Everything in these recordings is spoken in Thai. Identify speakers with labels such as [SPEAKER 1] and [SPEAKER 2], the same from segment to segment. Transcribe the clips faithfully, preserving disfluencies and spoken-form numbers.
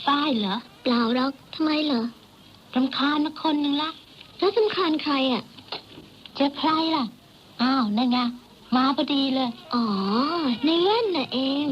[SPEAKER 1] ฝ้ายเหรอ
[SPEAKER 2] เปล่าหรอกทำไมเหรอ
[SPEAKER 1] รำคาญมาคนหนึ่งละ
[SPEAKER 2] แล้วรำคาญใครอ่ะ
[SPEAKER 1] จะใครล่ะอ้าวนั่นไงมาพอดีเลย
[SPEAKER 2] อ๋อในเล่นน่ะเอง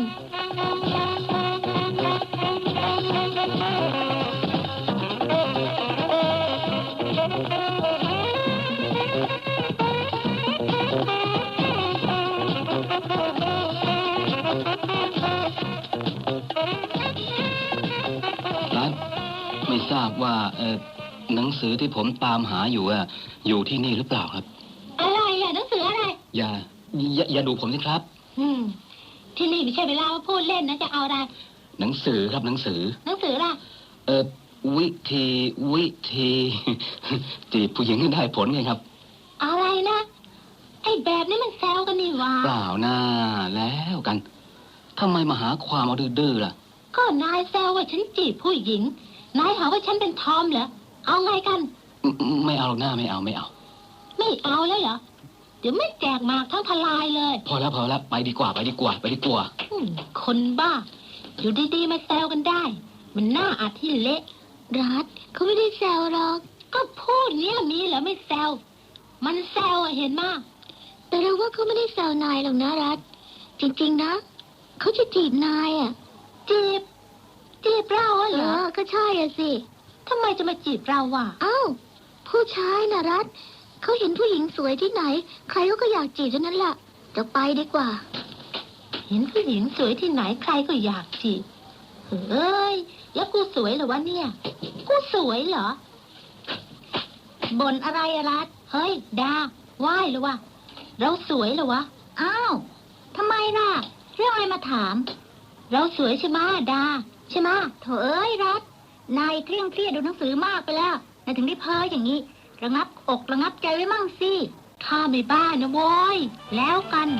[SPEAKER 3] ไม่ทราบว่าเออหนังสือที่ผมตามหาอยู่อะอยู่ที่นี่หรือเปล่าครับ
[SPEAKER 1] อะไรอะหนังสืออะไร
[SPEAKER 3] อย่าอย่าอย่าดูผมสิครับ
[SPEAKER 1] อืมที่นี่ไม่ใช่เวลามาพูดเล่นนะจะเอาอะไร
[SPEAKER 3] หนังสือครับหนังสือ
[SPEAKER 1] หนังสืออะไร
[SPEAKER 3] เออวิธีวิธีจีบผู้หญิงได้ผลไงครับ
[SPEAKER 1] อะไรนะไอ้แบบนี้มันแซวกันนี่วะ
[SPEAKER 3] เปล่าน่าแล้วกันทำไมมาหาความเอาดื้อๆล่ะ
[SPEAKER 1] ก็นายแซวว่าฉันจีบผู้หญิงนายหาว่าฉันเป็นทอมเหรอเอาไงกัน
[SPEAKER 3] ไม่เอาหน้าไม่เอาไม่เอา
[SPEAKER 1] ไม่เอาแล้วเหรอเดี๋ยวไม่แจกหมากทั้งทลายเลย
[SPEAKER 3] พอแล้วพอแล้วไปดีกว่าไปดีกว่าไปดีกว่า
[SPEAKER 1] คนบ้าอยู่ดีๆมาแซวกันได้มันน่าอาที่เละ
[SPEAKER 2] รัฐเขาไม่ได้แซวหรอก
[SPEAKER 1] ก็พูดเนี้ยมีเหรอไม่แซวมันแซวอะเห็นมาก
[SPEAKER 2] แต่เราว่าเขาไม่ได้แซวนายหรอกนะรัฐจริงๆนะเขาจะจีบนายอ่ะ
[SPEAKER 1] จีบจีบเราเหรอ
[SPEAKER 2] ก็ใช่อ่ะสิ
[SPEAKER 1] ทำไมจะมาจีบเราวะ
[SPEAKER 2] อ้าวผู้ชายนะรัฐเขาเห็นผู้หญิงสวยที่ไหนใครก็อยากจีบเท่านั้นแหละจะไปดีกว่า
[SPEAKER 1] เห็นผู้หญิงสวยที่ไหนใครก็อยากจีบเฮ้ยแล้วกูสวยเหรอวะเนี่ยกูสวยเหรอบ่นอะไรอะรัฐเฮ้ยดาไหว้หรือวะเราสวยเหรอวะอ้าวทำไมล่ะเรื่องอะไรมาถามเราสวยใช่ไหมดาใช่ไหมโถเอ้ยรัฐนายเคร่งเครียดดูหนังสือมากไปแล้วนายถึงได้เพ้ออย่างนี้ระงับอกระงับใจไว้มั่งสิข้าไม่บ้านะโว้ยแล้วกัน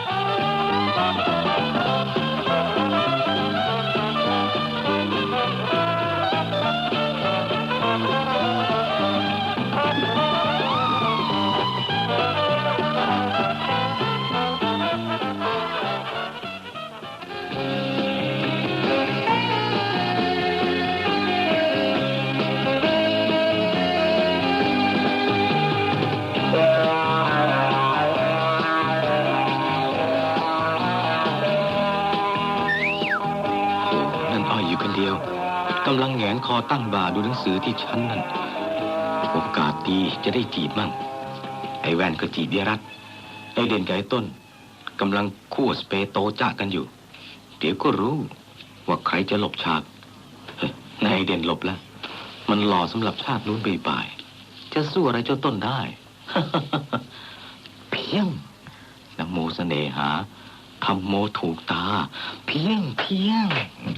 [SPEAKER 4] กำลังแหงนคอตั้งบ่าดูหนังสือที่ชั้นนั่นโอกาสดีจะได้จีบมั่งไอ้แว่นก็จีบเดียรัตไอ้เด่นกับไอ้ต้นกำลังคู่สเปโตจ้ากันอยู่เดี๋ยวก็รู้ว่าใครจะหลบฉากนายเด่นหลบแล้วมันหล่อสำหรับชาตินู้นบ่ายๆจะสู้อะไรเจ้าต้นได้ เพียงนะโมเสน่หาทำโมถูกตาเพียงเพียง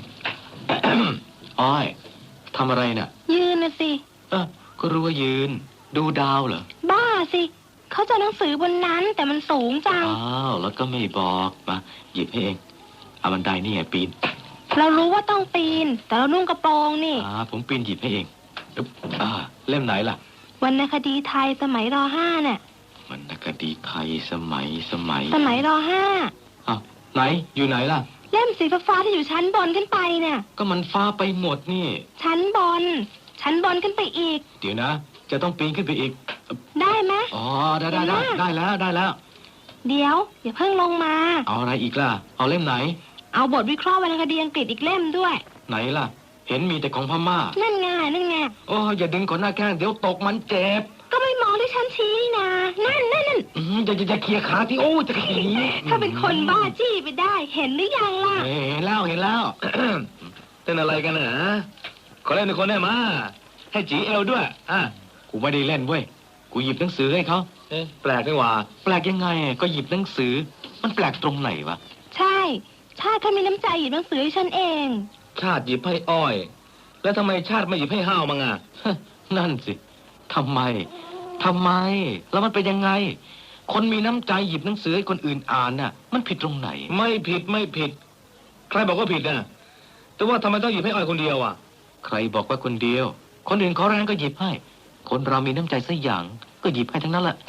[SPEAKER 4] อ้อยทำอะไรน่ะ
[SPEAKER 1] ยืนนะสิ
[SPEAKER 4] เออก็รู้ว่ายืนดูดาวเหรอ
[SPEAKER 1] บ้าสิเขาจะหนังสือบนนั้นแต่มันสูงจัง
[SPEAKER 4] อ้าวแล้วก็ไม่บอกมาหยิบให้เองเอาบันไดนี่ไงปีน
[SPEAKER 1] เรารู้ว่าต้องปีนแต่เรานุ่งกระโปรงนี่
[SPEAKER 4] อ่าผมปีนหยิบให้เองอ่าเล่มไหนล่ะ
[SPEAKER 1] วรรณคดีไทยสมัยร.ห้าเนี่ยว
[SPEAKER 4] รรณคดีไทยสมัยสมัย
[SPEAKER 1] สมัยร.ห้า
[SPEAKER 4] อ้าวไหนอยู่ไหนล่ะ
[SPEAKER 1] เล่มสีฟ้าที่อยู่ชั้นบนขึ้นไปเนี่ย
[SPEAKER 4] ก็มันฟ้าไปหมดนี่
[SPEAKER 1] ชั้นบนชั้นบนขึ้นไปอีก
[SPEAKER 4] เดี๋ยวนะจะต้องปีนขึ้นไปอีก
[SPEAKER 1] ได้ไหม
[SPEAKER 4] อ๋อได้ได้ได้ได้แล้วได้แล้ว
[SPEAKER 1] เดี๋ยวอย่าเพิ่งลงมา
[SPEAKER 4] เอาอะไรอีกล่ะเอาเล่มไหน
[SPEAKER 1] เอาบทวิเคราะห์วรรณคดีอังกฤษอีกเล่มด้วย
[SPEAKER 4] ไหนล่ะเห็นมีแต่ของพม่า
[SPEAKER 1] นั่นไงนั่นไง
[SPEAKER 4] โอ้อย่าดึงก่อนหน้าแข้งเดี๋ยวตกมันเจ็บ
[SPEAKER 1] ก็ไม่มองที่ฉันชี้นะนั่นนั่นนั่น
[SPEAKER 4] อย่าอย่าเคลียร์ขาที่โอ้จะขี่
[SPEAKER 1] ถ้าเป็นคนบ้าจี้ไปได้เห็นหรือยังล่ะ
[SPEAKER 4] เห็นแล้วเห็นแล้วเต้นอะไรกันนะขอเล่นในคนได้มาให้จีเอลด้วยอ่ะกูไม่ได้เล่นเว้ยกูหยิบหนังสือให้เขาเอ๊ะแปลกไม่ว่าแปลกยังไงก็หยิบหนังสือมันแปลกตรงไหนวะ
[SPEAKER 1] ใช่ชาติเขามีน้ำใจหยิบหนังสือให้ฉันเอง
[SPEAKER 4] ชาติหยิบให้อ้อยแล้วทำไมชาติไม่หยิบให้ห้าวมั้งอ่ะนั่นสิทำไมทำไมแล้วมันเป็นยังไงคนมีน้ำใจหยิบหนังสือให้คนอื่นอ่านน่ะมันผิดตรงไหนไม่ผิดไม่ผิดใครบอกว่าผิดน่ะแต่ว่าทำไมต้องหยิบให้อ้อยคนเดียวอ่ะใครบอกว่าคนเดียวคนอื่นเขาแรงก็หยิบให้คนเรามีน้ำใจสักอย่างก็หยิบให้ทั้งนั้นแหละ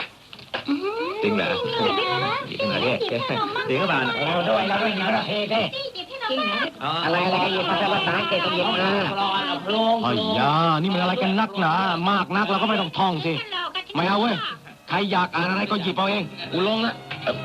[SPEAKER 4] จริงเหรอจริงเหรอเนี่ยจริงก็บานโอ้ด้วยแล้วด้วยนะเฮ้เฮ้
[SPEAKER 5] อะไรอะไรภาษาภาษาอังกฤษต้องเย็นมา
[SPEAKER 4] ไอ้ยานี่มันอะไรกันนักหนามากนักเราก็ไม่ต้องท่องสิไม่เอาเว้ยใครอยากอ่านอะไรก็หยิบเอาเองกูลงละ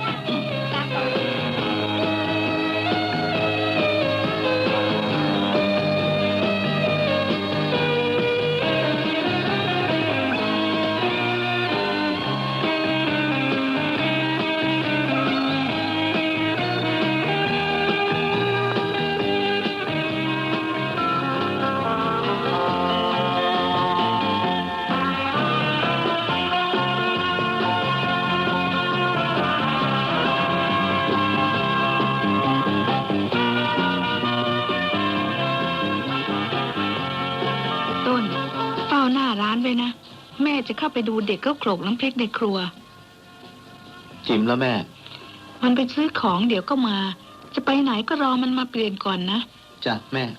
[SPEAKER 6] ต้นเฝ้าหน้าร้านไว้นะแม่จะเข้าไปดูเด็กเขาโขลกน้ำพริกในครัว
[SPEAKER 3] จิมแล้วแม่
[SPEAKER 6] มันไปซื้อของเดี๋ยวก็มา จะไปไหนก็รอมันมาเปลี่ยนก่อนนะ
[SPEAKER 3] จ้ะแม่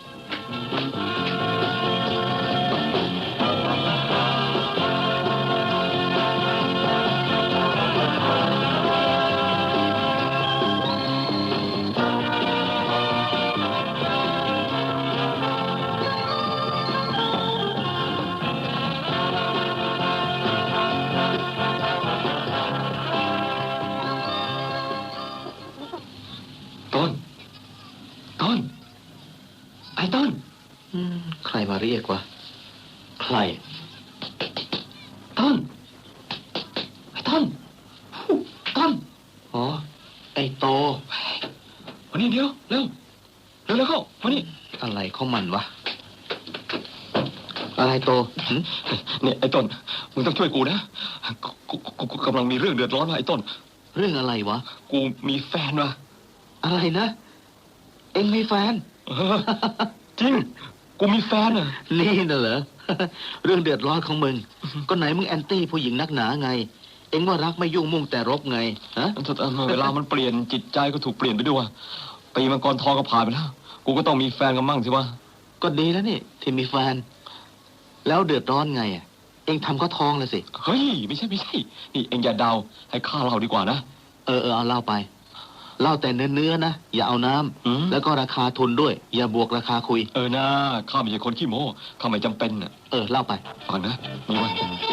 [SPEAKER 3] ต้น ต้น ไอ้ต้น อืม ใครมาเรียกวะ ใคร ต้น ไอ้ต้น ต้น อ๋อ ไอ้โตวันนี้เดี๋ยว เร็ว เร็วเร็วเข้าวันนี้อะไรของมันวะ อะไรโตเนี่ยไอ้ต้น มึงต้องช่วยกูนะ กูกูกูกำลังมีเรื่องเดือดร้อนว่ะไอ้ต้น เรื่องอะไรวะ กูมีแฟนว่ะ อะไรนะ เอ็งมีแฟน จริง กูมีแฟนอ่ะ นี่น่ะเหรอ เรื่องเดือดร้อนของมึง ก็ไหนมึงแอนตี้ผู้หญิงนักหนาไง เอ็งว่ารักไม่ยุ่งมุ่งแต่รบไง ฮะเวลามันเปลี่ยนจิตใจก็ถูกเปลี่ยนไปด้วยปีมังกรทองก็ผ่านไปแล้ว กูก็ต้องมีแฟนกันมั่งสิวะ ก็ดีแล้วนี่ที่มีแฟน แล้วเดือดร้อนไงอ่ะ เอ็งทำก็ท้องเลยสิ เฮ้ยไม่ใช่ไม่ใช่ นี่เอ็งอย่าเดาให้ข้าเล่าดีกว่านะ เออเออเอาเล่าไป เล่าแต่เนื้อเนื้อนะอย่าเอาน้ำแล้วก็ราคาทุนด้วยอย่าบวกราคาคุยเออนะข้าไม่ใช่คนขี้โม้ข้าไม่จำเป็นน่ะเออเล่าไปฟังนะนี่วะ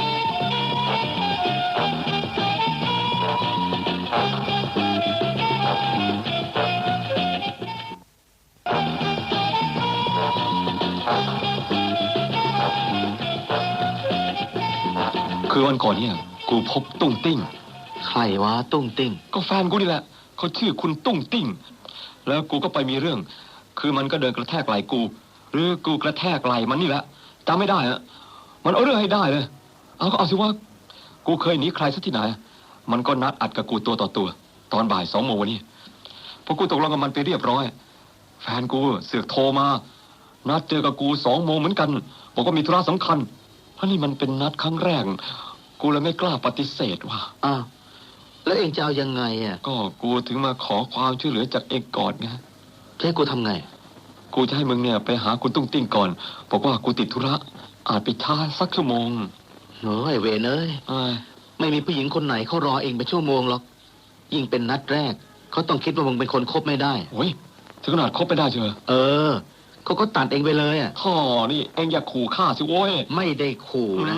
[SPEAKER 3] คือวันก่อนเนี่ยกูพบตุ้งติ้งใครวะตุ้งติ้งก็แฟนกูนี่แหละเขาชื่อคุณตุ้งติ้งแล้วกูก็ไปมีเรื่องคือมันก็เดินกระแทกไหล่กูหรือกูกระแทกไหล่มันนี่แหละจำไม่ได้อะมันเอาเรื่องให้ได้เลยเอาก็เอาสิว่ากูเคยหนีใครสักที่ไหนมันก็นัดอัดกับกูตัวต่อตัวตอนบ่ายสองโมงวันนี้พอกูตกลงกับมันไปเรียบร้อยแฟนกูเสือกโทรมานัดเจอกับกูสองโมงเหมือนกันบอกว่ามีธุระสำคัญเพราะนี่มันเป็นนัดครั้งแรกกูเลยไม่กล้าปฏิเสธว่ะอ้าวแล้วเองจะเอายังไงอ่ะก็กูถึงมาขอความช่วยเหลือจากเองก่อนไงจะให้กูทำไงกูจะให้มึงเนี่ยไปหาคุณตุ้งติ้งก่อนบอกว่ากูติดธุระอาจไปช้าสักชั่วโมงโอ้ยเวรเอ้ยไม่มีผู้หญิงคนไหนเขารอเองไปชั่วโมงหรอกยิ่งเป็นนัดแรกเขาต้องคิดว่ามึงเป็นคนคบไม่ได้โอ้ยถึงขนาดคบไม่ได้เชียวเออเขาก็ตัดเองไปเลยอ่ะท่อนี่เองอย่าขู่ข้าสิโว้ยไม่ได้ขู่นะ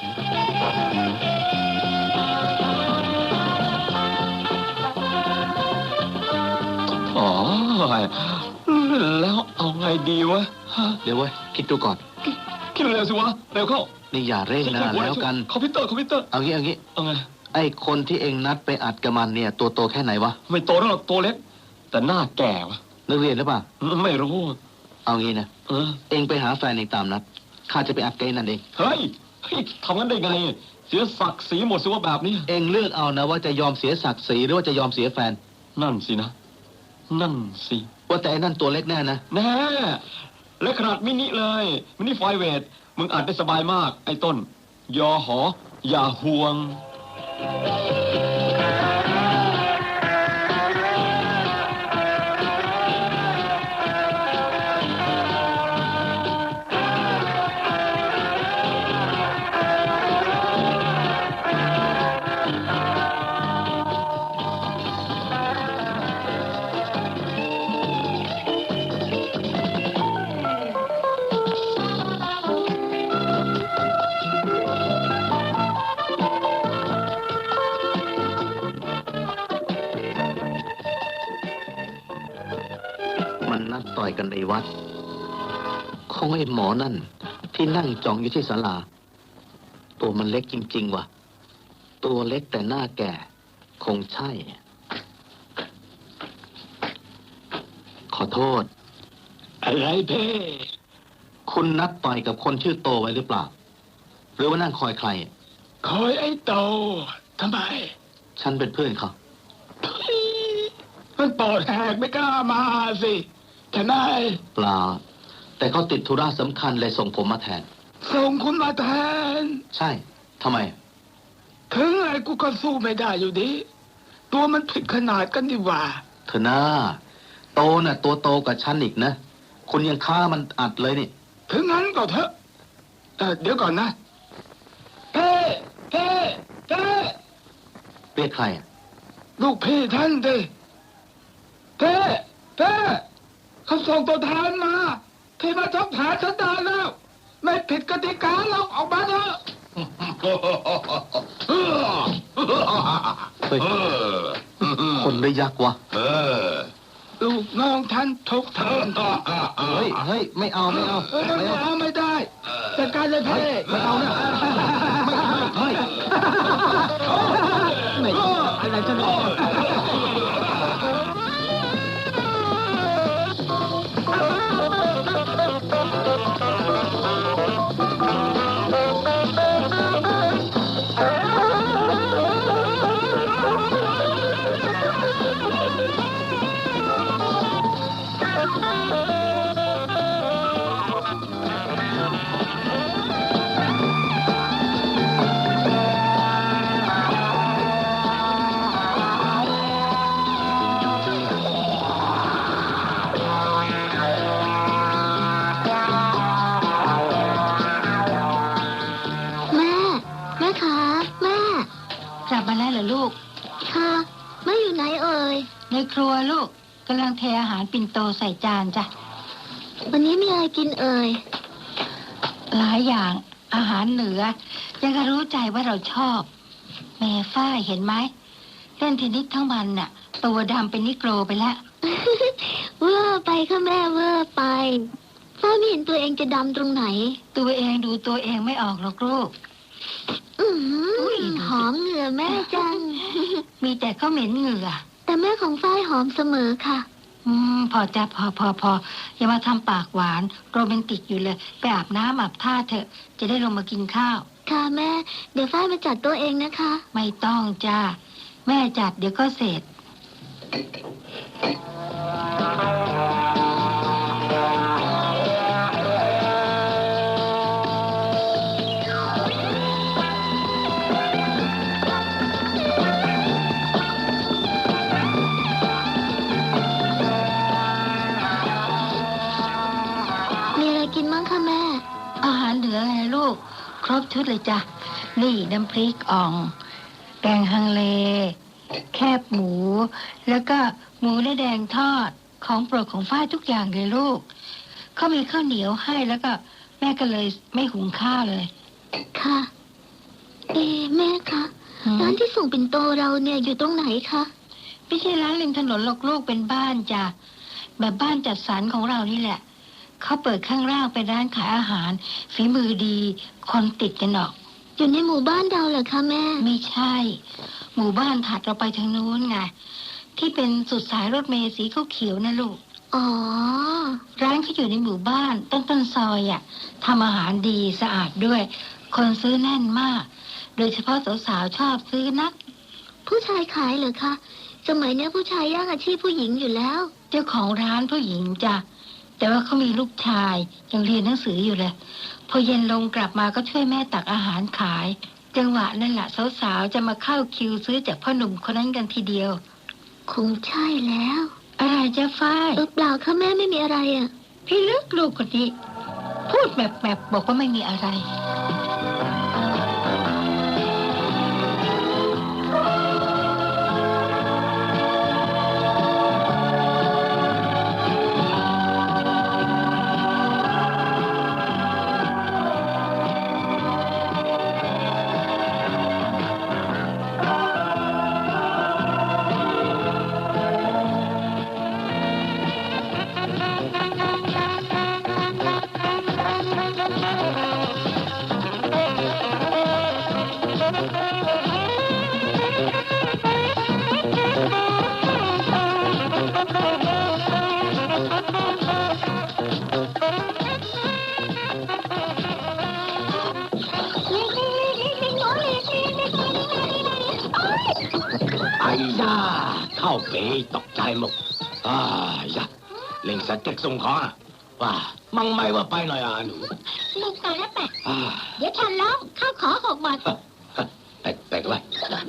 [SPEAKER 3] อ๋อแล้วเอาไงดีวะเดี๋ยวเว้ยคิดดูก่อนคิดเร็วสิวะเร็วเข้านี่อย่าเร่งนะแล้วกันคอมพิวเตอร์คอมพิวเตอร์เอางี้เอางี้เอาไงไอ้คนที่เองนัดไปอัดกับมันเนี่ยตัวโตแค่ไหนวะไม่โตหรอกตัวเล็กแต่หน้าแก่วะนักเรียนหรือเปล่าไม่รู้เอางี้นะเออเองไปหาแฟนเองตามนัดข้าจะไปอัดเกย์นั่นเองเฮ้ยทำงั้นได้ไงเสียศักดิ์ศรีหมดสิว่าแบบนี้เองเลือกเอานะว่าจะยอมเสียศักดิ์ศรีหรือว่าจะยอมเสียแฟนนั่นสินะนั่นสิว่าแต่นั่นตัวเล็กแน่นะแน่เล็กขนาดมินิเลยมินิไฟเวทมึงอัดได้สบายมากไอ้ต้นยอหออย่าห่วง
[SPEAKER 7] อยกันในวัดคงไอ้หมอนั่นที่นั่งจ้องอยู่ที่ศาลาตัวมันเล็กจริงๆว่ะตัวเล็กแต่หน้าแก่คงใช่ขอโทษอะไรเพ่คุณนัดต่อยกับคนชื่อโตไว้หรือเปล่าหรือว่านั่งคอยใครคอยไอ้โตทำไมฉันเป็นเพื่อนเขามันปอดแหกไม่กล้ามาสิจะได้เปล่าแต่เขาติดธุระสำคัญเลยส่งผมมาแทนส่งคุณมาแทนใช่ทำไมถึงไงกูก็สู้ไม่ได้อยู่ดีตัวมันผิดขนาดกันดีว่าเธอหน้าโตน่ะตัวโตกว่าฉันอีกนะคุณยังฆ่ามันอัดเลยนี่ถึงงั้นก็เถอะเออเดี๋ยวก่อนนะเพ่เพ่เพ่เรียกใครอ่ะลูกพี่ท่านดิเพ่เพ่เขาส่งตัวแทนมาที่มาทักถามฉันได้แล้วไม่ผิดกติกาหรอกออกมาเถอะเฮ้ยคนได้ยักษ์วะลูกน้องท่านทุกท่านเฮ้ยเฮ้ยไม่เอาไม่เอาไม่เอาไม่ได้จัดการเลยเพ่ไม่เอานะไม่เฮ้ยไม่อะไรจะเนี่ย
[SPEAKER 1] ในครัวลูกกำลังเทอาหารปิ่นโตใส่จานจ้ะ
[SPEAKER 2] วันนี้มีอะไรกินเอ่ย
[SPEAKER 1] หลายอย่างอาหารเหนือยังก็รู้ใจว่าเราชอบแม่ฝ้ายเห็นไหมเล่นเทนนิสทั้งวันน่ะตัวดำเป็นนิโกรไปแล้ว
[SPEAKER 2] เวอร์ไปค่ะแม่เวอร์ไปฝ้ายไม่เห็นตัวเองจะดำตรงไหน
[SPEAKER 1] ตัวเองดูตัวเองไม่ออกหรอกลูก
[SPEAKER 2] อืมหอมเหงื่อแม่จัง
[SPEAKER 1] มีแต่เขาเหม็นเหงื่อ
[SPEAKER 2] แต่แม่ของฝ้ายหอมเสมอค่ะ
[SPEAKER 1] อืมพอจะพอพอพออย่ามาทำปากหวานโรแมนติกอยู่เลยไปอาบน้ำอาบท่าเถอะจะได้ลงมากินข้าว
[SPEAKER 2] ค่ะแม่เดี๋ยวฝ้ายมาจัดตัวเองนะคะ
[SPEAKER 1] ไม่ต้องจ้าแม่จัดเดี๋ยวก็เสร็จอาหารเหลือไงลูกครบชุดเลยจ้ะนี่น้ำพริกอ่องแกงฮังเลแคบหมูแล้วก็หมูเนื้อแดงทอดของโปรดของฝ้ายทุกอย่างเลยลูกเขามีข้าวเหนียวให้แล้วก็แม่ก็เลยไม่หุงข้าวเลย
[SPEAKER 2] ค่ะเอ๊ะแม่คะร้านที่ส่งปิ่นโตเราเนี่ยอยู่ตรงไหนคะ
[SPEAKER 1] ไม่ใช่ร้านริมถนนหรอกลูกเป็นบ้านจ้ะแบบบ้านจัดสรรของเรานี่แหละเขาเปิดข้างล่างเป็นร้านขายอาหารฝีมือดีคนติดกันออก
[SPEAKER 2] อยู่ในหมู่บ้านเราเหรอคะแม่
[SPEAKER 1] ไม่ใช่หมู่บ้านถัดเราไปทางนู้นไงที่เป็นสุดสายรถเมล์สีเขียวๆนะลูก
[SPEAKER 2] อ๋อ
[SPEAKER 1] ร้านเขาอยู่ในหมู่บ้านต้นต้นซอยอ่ะทำอาหารดีสะอาดด้วยคนซื้อแน่นมากโดยเฉพาะสาวๆชอบซื้อนัก
[SPEAKER 2] ผู้ชายขายเหรอคะสมัยนี้ผู้ชายแย่งอาชีพผู้หญิงอยู่แล้ว
[SPEAKER 1] เจ้าของร้านผู้หญิงจ้ะแต่ว่าเขามีลูกชายยังเรียนหนังสืออยู่เลยพอเย็นลงกลับมาก็ช่วยแม่ตักอาหารขายจังหวะนั่นแหละสาวๆจะมาเข้าคิวซื้อจากพ่อหนุ่มคนนั้นกันทีเดียว
[SPEAKER 2] คงใช่แล้ว
[SPEAKER 1] อะไรจะฝ้าย
[SPEAKER 2] เออเปล่าค่ะแม่ไม่มีอะไรอ่ะ
[SPEAKER 1] พี่ลึกลูกคนนี้พูดแบบแบบบอกว่าไม่มีอะไร
[SPEAKER 2] เ
[SPEAKER 4] ไอ้ยาเข้าไปตกใจหมดอ้ายาเล่งสเต็กส่งของอะว่ามั่งไม่ว่าไปหน่อยอ่ะหนู
[SPEAKER 1] ลูกตายแล้วแปะ
[SPEAKER 4] อ่า
[SPEAKER 1] เดี๋ยวฉันร้องข้าวขอหกบาท
[SPEAKER 4] แปลกแปลกไว้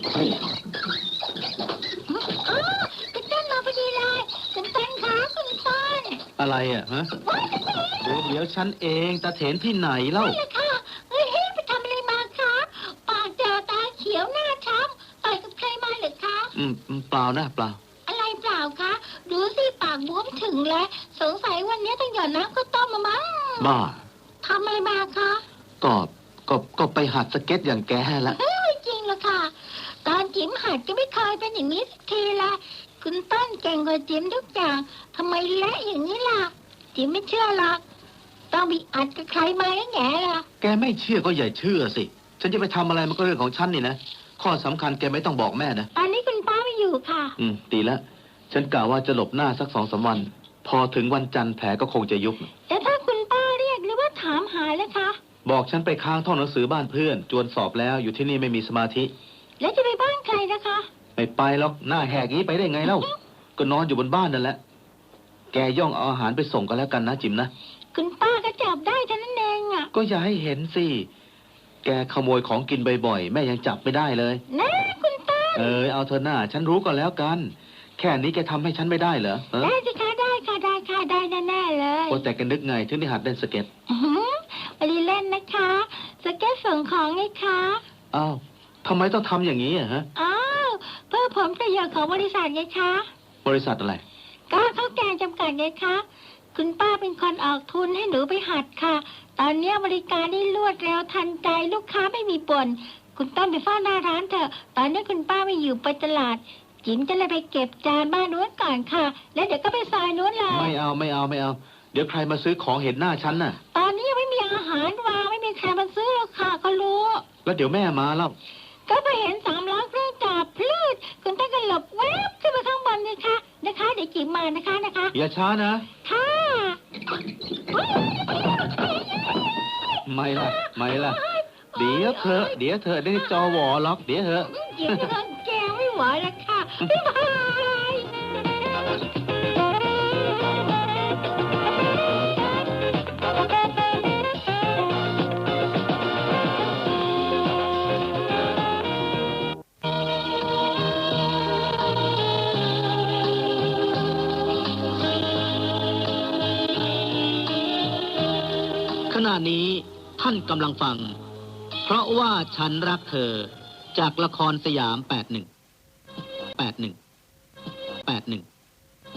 [SPEAKER 1] อ๋อคุณต้นมาพอดีเลยคุณต้นคะคุณต้น
[SPEAKER 3] อะไรอ่ะฮะ
[SPEAKER 1] ว้ายคุณต้น
[SPEAKER 3] เดี๋ยวเดี๋ยวฉันเองตาเถนที่ไหนเล่า
[SPEAKER 1] นั่นแหละค่ะเฮ้ยไปทำอะไรมาคะปากเจอตาเขียวหน้าช้ำต่อยกับใครมาเหรือคะ
[SPEAKER 3] อืมอืมเปล่านะเปล่า
[SPEAKER 1] อะไรเปล่าคะดูสิปากบวมถึงแล้วสงสัยวันนี้ต้องหย่อนน้ำข้าวต้มมามั้ง
[SPEAKER 3] บ้า
[SPEAKER 1] ทำอะไรมาคะ
[SPEAKER 3] ก็ก็ก็ไปหัดสเก็ตอย่างแกละ
[SPEAKER 1] เฮ้ยไม่จริงหรอกค่ะ ตอนจิ๋มหัดก็ไม่เคยเป็นอย่างนี้สักทีละคุณต้นเก่งกว่าจิ๋มทุกอย่างทำไมเละอย่างนี้ล่ะจิ๋มไม่เชื่อหรอกต้องมีอัดกับใครมาแล้วแง่ล่ะ
[SPEAKER 3] แกไม่เชื่อก็อย่าเชื่อสิ ฉันจะไปทำอะไรมันก็เรื่องของฉันนี่นะ ข้อสำคัญแกไม่ต้องบอกแม่นะ
[SPEAKER 1] ตอนนี้คุณป้าไม่อยู่ค่ะ
[SPEAKER 3] อืมดีแล้ว ฉันกะว่าจะหลบหน้าสักสองสามวัน พอถึงวันจันทร์แผลก็คงจะยุบ
[SPEAKER 1] แต่ถ้าคุณป้าเรียกหรือว่าถามหาแล้วคะ
[SPEAKER 3] บอกฉันไปค้างท่องหนังสือบ้านเพื่อน จวนสอบแล้วอยู่ที่นี่ไม่มีสมาธิ
[SPEAKER 1] แล้วจะไปบ้านใครนะคะ
[SPEAKER 3] ไม่ไปหรอกหน้าแหกงี้ไปได้ไงเล่า ก็นอนอยู่บนบ้านนั่นแหละ แกย่องเอาอาหารไปส่งกันแล้วกันนะจิมนะ
[SPEAKER 1] คุณป้าก็จับได้เท่านั้นเองอ่ะ
[SPEAKER 3] ก็อย่าให้เห็นสิ แกขโมยของกินบ่อยๆ แม่ยังจับไม่ได้เลย
[SPEAKER 1] นะคุณป้า
[SPEAKER 3] เออเอาเธอหน้า ฉันรู้ก็แล้วกัน แค่นี้แกทำให้ฉันไม่ได้เหรอเออ
[SPEAKER 1] ได้สิคะได้ค่ะได้ค่ะได้แน่ๆเลย
[SPEAKER 3] โอ้แต่แกนึกไงถึงได้หัดเล่นสเก็ต
[SPEAKER 1] อื้อหือไปเล่นนะคะสเก็ตส่งของไงคะ
[SPEAKER 3] อ้าวทำไมต้องทำอย่างนี้อะฮะ
[SPEAKER 1] อ้าวเพื่อผลประโยชน์ของบริษัทไงคะ
[SPEAKER 3] บริษัทอะไร
[SPEAKER 1] ก็ข้าวแกงจำกัดไงคะ คุณป้าเป็นคนออกทุนให้หนูไปหัดค่ะ ตอนนี้บริการได้รวดเร็วทันใจลูกค้าไม่มีบ่นคุณต้นไปเฝ้าหน้าร้านเถอะ ตอนนี้คุณป้าไม่อยู่ไปตลาด จิ๋มจะเลยไปเก็บจานบ้านนู้นก่อนค่ะ แล้วเดี๋ยวก็ไปซอยนู้นเลย
[SPEAKER 3] ไม่เอาไม่เอาไม่เอา เดี๋ยวใครมาซื้อของเห็นหน้าฉันน่ะ
[SPEAKER 1] ตอนนี้ยังไม่มีอาหารวางไม่มีใครมาซื้อหรอกค่ะเขารู้
[SPEAKER 3] แล้วเดี๋ยวแม่มาแล้ว
[SPEAKER 1] ก็ไปเห็นสามล้อเครื่องจับพลืดคุณต้นก็หลบแวบขึ้นไปข้างบนเลยค่ะนะคะ เดี๋ยวจิ๋มมานะคะนะคะ
[SPEAKER 3] อย่าช้านะ
[SPEAKER 1] ค่ะ
[SPEAKER 3] ไม่ล่ะ ไม่ล่ะ เดี๋ยวเธอะเดี๋ยวเธอะได้จอวอล็อกเดี๋ยวเถอะ
[SPEAKER 1] จิ๋มจะแกไม่ไหวแล้วค่ะบ๊ายบาย
[SPEAKER 5] ขณะนี้ท่านกำลังฟัง เพราะว่าฉันรักเธอจากละครสยามแปดหนึ่ง แปดหนึ่ง แปดหนึ่ง